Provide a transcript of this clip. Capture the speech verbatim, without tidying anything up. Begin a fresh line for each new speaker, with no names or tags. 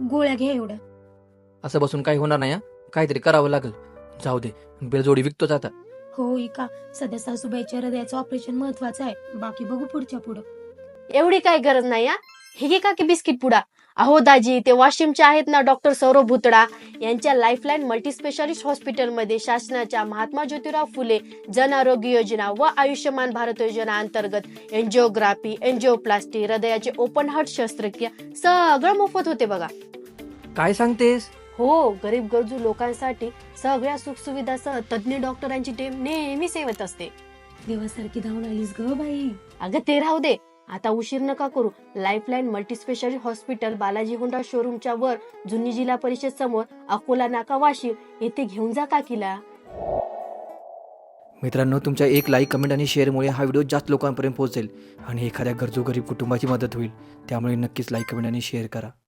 गोळ्या घ्या एवढ्या.
असं बसून काही होणार नाही. काहीतरी करावं लागेल. जाऊ दे, बेलजोडी विकतोच आता.
हो का, सध्या सासूबाईच्या हृदयाचं ऑपरेशन महत्वाचं आहे, बाकी बघू पुढच्या पुढं.
एवढी काय गरज नाही हा. हे घे का की बिस्किट पुडा. अहो दाजी, ते वाशिमचे आहेत ना डॉक्टर सौरभ भुतडा, यांच्या लाईफलाईन मल्टीस्पेशालिस्ट हॉस्पिटलमध्ये शासनाच्या महात्मा ज्योतिराव फुले जन आरोग्य योजना व आयुष्यमान भारत योजना अंतर्गत एन्जिओग्राफी, एन्जिओप्लास्टी, हृदयाचे ओपन हार्ट शस्त्रक्रिया सगळं मोफत होते बघा.
काय सांगतेस?
हो, गरीब गरजू लोकांसाठी सगळ्या सुखसुविधासह तज्ञ डॉक्टरांची टीम नेहमी सेवेत असते.
देवासारखी धावून आलीस ग बाई.
अगं ते राहू दे, आता उशीर नका करू. Lifeline multispecialist hospital Balaji Honda शोरूमच्या वर जुनी जिल्हा परिषद समोर अकोला नाका वाशिम येथे घेऊन जा काकीला.
मित्रांनो, तुमच्या एक लाईक, कमेंट आणि शेअरमुळे हा व्हिडिओ जास्त लोकांपर्यंत पोहोचेल आणि एखाद्या गरजू गरीब कुटुंबाची मदत होईल. त्यामुळे नक्कीच लाईक, कमेंट आणि शेअर करा.